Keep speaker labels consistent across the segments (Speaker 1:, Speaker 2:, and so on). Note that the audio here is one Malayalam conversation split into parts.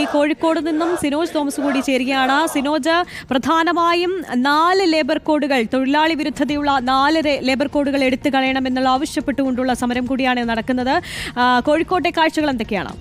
Speaker 1: കോഴിക്കോട് നിന്നും സിനോജ് തോമസ് കൂടി ചേരുകയാണ്. സിനോജ്, പ്രധാനമായും 4 ലേബർ കോഡുകൾ, തൊഴിലാളി വിരുദ്ധതയുള്ള 4 ലേബർ കോഡുകൾ എടുത്തു കളയണമെന്നുള്ള ആവശ്യപ്പെട്ടുകൊണ്ടുള്ള സമരം കൂടിയാണ് നടക്കുന്നത്. കോഴിക്കോട്ടെ കാഴ്ചകൾ എന്തൊക്കെയാണ്?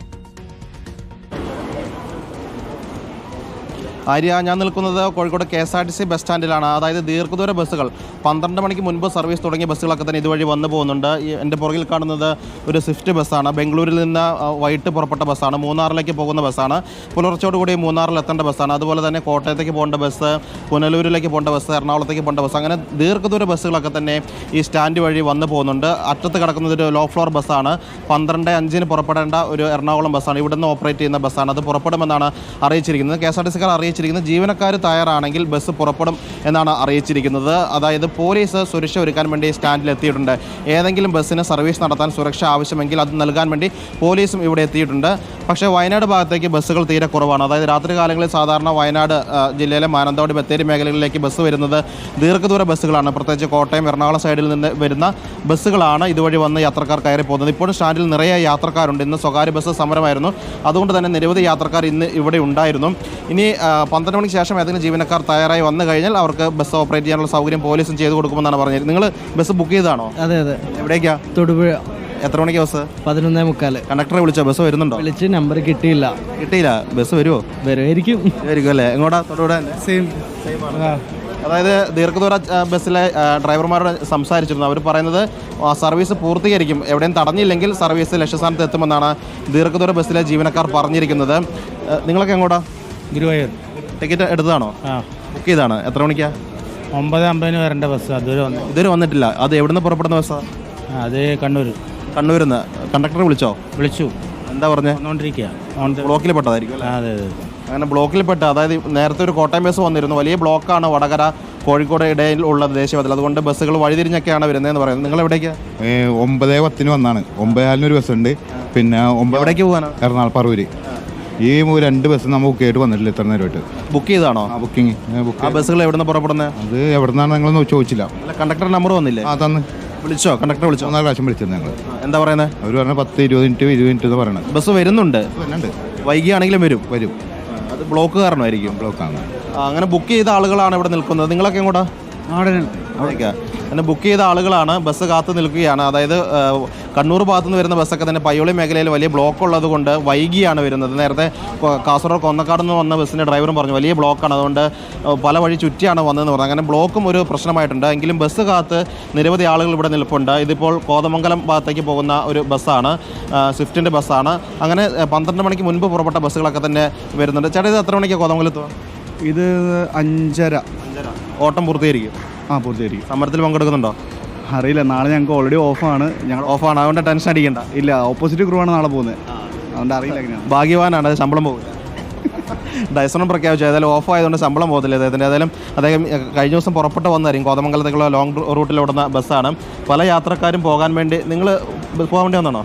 Speaker 2: ആര്യ, ഞാൻ നിൽക്കുന്നത് കോഴിക്കോട് KSRTC ബസ് സ്റ്റാൻഡിലാണ്. അതായത് ദീർഘദൂര ബസ്സുകൾ 12 മണിക്ക് മുൻപ് സർവീസ് തുടങ്ങിയ ബസ്സുകളൊക്കെ തന്നെ ഇതുവഴി വന്നു പോകുന്നുണ്ട്. എൻ്റെ പുറകിൽ കാണുന്നത് ഒരു സ്വിഫ്റ്റ് ബസ്സാണ്. ബംഗളൂരിൽ നിന്ന് വൈകിട്ട് പുറപ്പെട്ട ബസ്സാണ്. മൂന്നാറിലേക്ക് പോകുന്ന ബസ്സാണ്. പുലർച്ചയോടുകൂടി മൂന്നാറിൽ എത്തേണ്ട ബസ്സാണ്. അതുപോലെ തന്നെ കോട്ടയത്തേക്ക് പോകേണ്ട ബസ്, പുനലൂരിലേക്ക് പോകേണ്ട ബസ്, എറണാകുളത്തേക്ക് പോകേണ്ട ബസ്, അങ്ങനെ ദീർഘദൂര ബസ്സുകളൊക്കെ തന്നെ ഈ സ്റ്റാൻഡ് വഴി വന്നു പോകുന്നുണ്ട്. അറ്റത്ത് കിടക്കുന്നത് ഒരു ലോ ഫ്ലോർ ബസ്സാണ്. 12:05 പുറപ്പെടേണ്ട ഒരു എറണാകുളം ബസ്സാണ്. ഇവിടുന്ന് ഓപ്പറേറ്റ് ചെയ്യുന്ന ബസ്സാണ്. അത് പുറപ്പെടുമെന്നാണ് അറിയിച്ചിരിക്കുന്നത്. KSRTCക്കാർ ജീവനക്കാർ തയ്യാറാണെങ്കിൽ ബസ് പുറപ്പെടും എന്നാണ് അറിയിച്ചിരിക്കുന്നത്. അതായത് പോലീസ് സുരക്ഷ ഒരുക്കാൻ വേണ്ടി സ്റ്റാൻഡിൽ എത്തിയിട്ടുണ്ട്. ഏതെങ്കിലും ബസ്സിന് സർവീസ് നടത്താൻ സുരക്ഷ ആവശ്യമെങ്കിൽ അത് നൽകാൻ വേണ്ടി പോലീസും ഇവിടെ എത്തിയിട്ടുണ്ട്. പക്ഷേ വയനാട് ഭാഗത്തേക്ക് ബസ്സുകൾ തീരെ കുറവാണ്. അതായത് രാത്രി കാലങ്ങളിൽ സാധാരണ വയനാട് ജില്ലയിലെ മാനന്തവാടി, ബത്തേരി മേഖലകളിലേക്ക് ബസ് വരുന്നത് ദീർഘദൂര ബസ്സുകളാണ്. പ്രത്യേകിച്ച് കോട്ടയം, എറണാകുളം സൈഡിൽ നിന്ന് വരുന്ന ബസ്സുകളാണ് ഇതുവഴി വന്ന് യാത്രക്കാർ കയറി പോകുന്നത്. ഇപ്പോഴും സ്റ്റാൻഡിൽ നിറയെ യാത്രക്കാരുണ്ട്. ഇന്ന് സ്വകാര്യ ബസ് സമരമായിരുന്നു. അതുകൊണ്ട് തന്നെ നിരവധി യാത്രക്കാർ ഇന്ന് ഇവിടെ ഉണ്ടായിരുന്നു. ഇനി 12 മണിക്ക് ശേഷം ഏതെങ്കിലും ജീവനക്കാർ തയ്യാറായി വന്നു കഴിഞ്ഞാൽ അവർക്ക് ബസ് ഓപ്പറേറ്റ് ചെയ്യാനുള്ള സൗകര്യം പോലീസും ചെയ്തു കൊടുക്കുമെന്നാണ് പറഞ്ഞത്. നിങ്ങൾ ബസ് ബുക്ക് ചെയ്തതാണോ?
Speaker 3: അതെ അതെ.
Speaker 2: എവിടേക്കാ?
Speaker 3: തൊടുപുഴ.
Speaker 2: എത്ര മണിക്ക് ബസ്?
Speaker 3: 11:45.
Speaker 2: കണ്ടക്ടറെ വിളിച്ചോ? ബസ് വരുന്നുണ്ടോ?
Speaker 3: വിളിച്ച് നമ്പർ കിട്ടിയില്ല.
Speaker 2: ബസ് വരുമോ?
Speaker 3: വരുമായിരിക്കും
Speaker 2: അല്ലേ? എങ്ങോട്ടാ? തൊടുപുഴ സെയിം. അതായത് ദീർഘദൂര ബസ്സിലെ ഡ്രൈവർമാരോട് സംസാരിച്ചിരുന്നു. അവർ പറയുന്നത് സർവീസ് പൂർത്തീകരിക്കും, എവിടെയും തടഞ്ഞില്ലെങ്കിൽ സർവീസ് ലക്ഷ്യസ്ഥാനത്ത് എത്തുമെന്നാണ് ദീർഘദൂര ബസ്സിലെ ജീവനക്കാർ പറഞ്ഞിരിക്കുന്നത്. നിങ്ങളൊക്കെ എങ്ങോട്ടാ?
Speaker 3: ഗുരുവായൂർ.
Speaker 2: ടിക്കറ്റ് എടുത്തതാണോ? ബുക്ക് ചെയ്താണ്. എത്ര മണിക്കാ?
Speaker 3: 9:50 വരേണ്ട ബസ്.
Speaker 2: ഇതുവരെ വന്നിട്ടില്ല. അത് എവിടുന്ന് പുറപ്പെടുന്ന ബസ്സാ?
Speaker 3: അത് കണ്ണൂരിൽ നിന്ന്.
Speaker 2: കണ്ടക്ടറെ വിളിച്ചു? എന്താ പറഞ്ഞത്? ബ്ലോക്കിൽ പെട്ടതായിരിക്കും.
Speaker 3: അതെ അതെ.
Speaker 2: അങ്ങനെ ബ്ലോക്കിൽ പെട്ട, അതായത് നേരത്തെ ഒരു കോട്ടയം ബസ് വന്നിരുന്നു. വലിയ ബ്ലോക്കാണ് വടകര കോഴിക്കോട് ഇടയിൽ ഉള്ള ദേശീയപാതയിൽ. അതുകൊണ്ട് ബസ്സുകൾ വഴിതിരിഞ്ഞൊക്കെയാണ് വരുന്നതെന്ന് പറയുന്നത്. നിങ്ങൾ എവിടേക്ക്?
Speaker 4: 9:10 വന്നാണ്. 9:04 ബസ് ഉണ്ട്. പിന്നെ
Speaker 2: എവിടേക്ക് പോകാനാണ്?
Speaker 4: എറണാകുളം പറവൂര്. ഈ 2 ബസ് നമ്മൾ ബുക്ക് ചെയ്തിട്ട് വന്നിട്ടില്ല ഇത്ര നേരമായിട്ട്.
Speaker 2: ബുക്ക് ചെയ്താണോ?
Speaker 4: ബുക്കിംഗ്.
Speaker 2: ആ ബസ്സുകൾ എവിടെ നിന്ന് പുറപ്പെടുന്നത്?
Speaker 4: അത് എവിടെ നിന്നാണ് നിങ്ങൾ ചോദിച്ചില്ല.
Speaker 2: കണ്ടക്ടർ നമ്പർ വന്നില്ലേ?
Speaker 4: തന്ന്.
Speaker 2: വിളിച്ചോ? കണ്ടക്ടർ വിളിച്ചോ?
Speaker 4: 4 പ്രാവശ്യം വിളിച്ചത് ഞങ്ങൾ.
Speaker 2: എന്താ പറയുന്നത്?
Speaker 4: അവർ പറഞ്ഞ 10-20 മിനിറ്റ് എന്ന് പറയണത്.
Speaker 2: ബസ് വരുന്നുണ്ട്. വൈകിയാണെങ്കിലും വരും. അത് ബ്ലോക്ക് കാരണമായിരിക്കും.
Speaker 4: ബ്ലോക്കാണ്.
Speaker 2: അങ്ങനെ ബുക്ക് ചെയ്ത ആളുകളാണ് ഇവിടെ നിൽക്കുന്നത്. നിങ്ങളൊക്കെ എങ്ങോട്ടാ? അവിടേക്കാ? അങ്ങനെ ബുക്ക് ചെയ്ത ആളുകളാണ്. ബസ് കാത്തു നിൽക്കുകയാണ്. അതായത് കണ്ണൂർ ഭാഗത്തുനിന്ന് വരുന്ന ബസ്സൊക്കെ തന്നെ പയ്യോളി മേഖലയിൽ വലിയ ബ്ലോക്ക് ഉള്ളത് കൊണ്ട് വൈകിയാണ് വരുന്നത്. നേരത്തെ കാസർഗോഡ് കൊന്നക്കാട് നിന്ന് വന്ന ബസ്സിൻ്റെ ഡ്രൈവറും പറഞ്ഞു വലിയ ബ്ലോക്കാണ്, അതുകൊണ്ട് പല വഴി ചുറ്റിയാണ് വന്നതെന്ന് പറഞ്ഞു. അങ്ങനെ ബ്ലോക്കും ഒരു പ്രശ്നമായിട്ടുണ്ട്. എങ്കിലും ബസ് കാത്ത് നിരവധി ആളുകൾ ഇവിടെ നിൽപ്പുണ്ട്. ഇതിപ്പോൾ കോതമംഗലം ഭാഗത്തേക്ക് പോകുന്ന ഒരു ബസ്സാണ്, സ്വിഫ്റ്റിൻ്റെ ബസ്സാണ്. അങ്ങനെ 12 മണിക്ക് മുൻപ് പുറപ്പെട്ട ബസ്സുകളൊക്കെ തന്നെ വരുന്നുണ്ട്. ചേട്ടാ, ഇത് എത്ര മണിക്കാണ് കോതമംഗലത്ത്?
Speaker 5: ഇത് 5:30.
Speaker 2: ഓട്ടം പൂർത്തീകരിക്കും?
Speaker 5: പൂർത്തീകരിക്കും.
Speaker 2: സമരത്തിൽ പങ്കെടുക്കുന്നുണ്ടോ?
Speaker 5: അറിയില്ല. നാളെ ഞങ്ങൾക്ക് ഓൾറെഡി ഓഫാണ്.
Speaker 2: അതുകൊണ്ട് ടെൻഷൻ അടിക്കണ്ട.
Speaker 5: ഇല്ല, ഓപ്പോസിറ്റ് ക്രൂ ആണ് നാളെ പോകുന്നത്. അതുകൊണ്ട് അറിയില്ല എങ്ങനെയാണ്.
Speaker 2: ഭാഗ്യവാനാണ്. ശമ്പളം പോകും. ഡൈസണും പ്രഖ്യാപിച്ചു. ഏതായാലും ഓഫ് ആയതുകൊണ്ട് ശമ്പളം പോകത്തില്ല അദ്ദേഹത്തിൻ്റെ. ഏതായാലും അദ്ദേഹം കഴിഞ്ഞ ദിവസം പുറപ്പെട്ട് വന്നായിരിക്കും. കോതമംഗലത്തേക്കുള്ള ലോങ് റൂട്ടിൽ ഓടുന്ന ബസ്സാണ്. പല യാത്രക്കാരും പോകാൻ വേണ്ടി. നിങ്ങൾ പോകാൻ വേണ്ടി വന്നാണോ?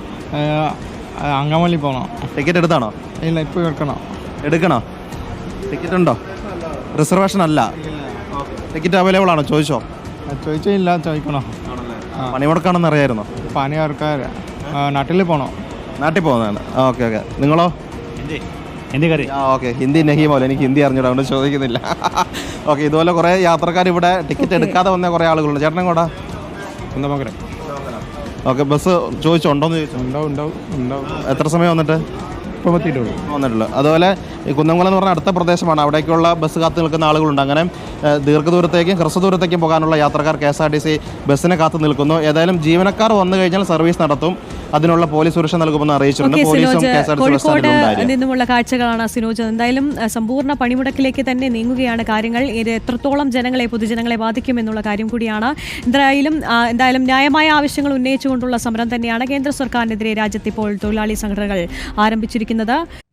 Speaker 3: അങ്കമാലി പോകണം.
Speaker 2: ടിക്കറ്റ് എടുത്താണോ?
Speaker 3: ഇല്ല, ഇപ്പോൾ
Speaker 2: എടുക്കണോ? ടിക്കറ്റ് ഉണ്ടോ? റിസർവേഷൻ അല്ല. ടിക്കറ്റ് അവൈലബിൾ ആണോ?
Speaker 3: ചോദിച്ചില്ല. ചോദിക്കണോ?
Speaker 2: പണിമുടക്കാണെന്ന് അറിയായിരുന്നോ?
Speaker 3: പണിയാർക്കാർ നാട്ടിൽ പോകണോ?
Speaker 2: നാട്ടിൽ പോകുന്നതാണ്. ഓക്കെ. നിങ്ങളോ?
Speaker 3: ഹിന്ദി കറി.
Speaker 2: ഓക്കെ. ഹിന്ദി നഹിമോലെ. എനിക്ക് ഹിന്ദി അറിഞ്ഞൂടാ, അതുകൊണ്ട് ചോദിക്കുന്നില്ല. ഓക്കെ. ഇതുപോലെ കുറേ യാത്രക്കാർ ഇവിടെ ടിക്കറ്റ് എടുക്കാതെ വന്ന കുറേ ആളുകളുണ്ട്. ചേട്ടൻ കൂടാ?
Speaker 3: കുന്നമംഗലം.
Speaker 2: ഓക്കെ. ബസ് ചോദിച്ചോണ്ടോന്ന് ചോദിച്ചു?
Speaker 3: ഉണ്ടാവും.
Speaker 2: എത്ര സമയം വന്നിട്ട്? വന്നിട്ടുള്ളൂ. അതുപോലെ ഈ കുന്നംകുളം എന്ന് പറഞ്ഞാൽ അടുത്ത പ്രദേശമാണ്. അവിടേക്കുള്ള ബസ് കാത്തു നിൽക്കുന്ന ആളുകളുണ്ട്. അങ്ങനെ ദീർഘദൂരത്തേക്കും ഹ്രസ്വദൂരത്തേക്കും പോകാനുള്ള യാത്രക്കാർ KSRTC ബസ്സിനെ കാത്തു നിൽക്കുന്നു. ഏതായാലും ജീവനക്കാർ വന്നു കഴിഞ്ഞാൽ സർവീസ് നടത്തും. അതിനുള്ള പോലീസ് സുരക്ഷ നൽകുമെന്ന് അറിയിച്ചിട്ടുണ്ട്.
Speaker 1: കോഴിക്കോട് നിന്നുമുള്ള കാഴ്ചകളാണ് സിനോജ്. എന്തായാലും സമ്പൂർണ്ണ പണിമുടക്കിലേക്ക് തന്നെ നീങ്ങുകയാണ് കാര്യങ്ങൾ. ഇത് എത്രത്തോളം പൊതുജനങ്ങളെ ബാധിക്കുമെന്നുള്ള കാര്യം കൂടിയാണ്. എന്തായാലും ന്യായമായ ആവശ്യങ്ങൾ ഉന്നയിച്ചുകൊണ്ടുള്ള സമരം തന്നെയാണ് കേന്ദ്ര സർക്കാരിനെതിരെ രാജ്യത്ത് ഇപ്പോൾ തൊഴിലാളി സംഘടനകൾ ആരംഭിച്ചിരിക്കുന്നത്.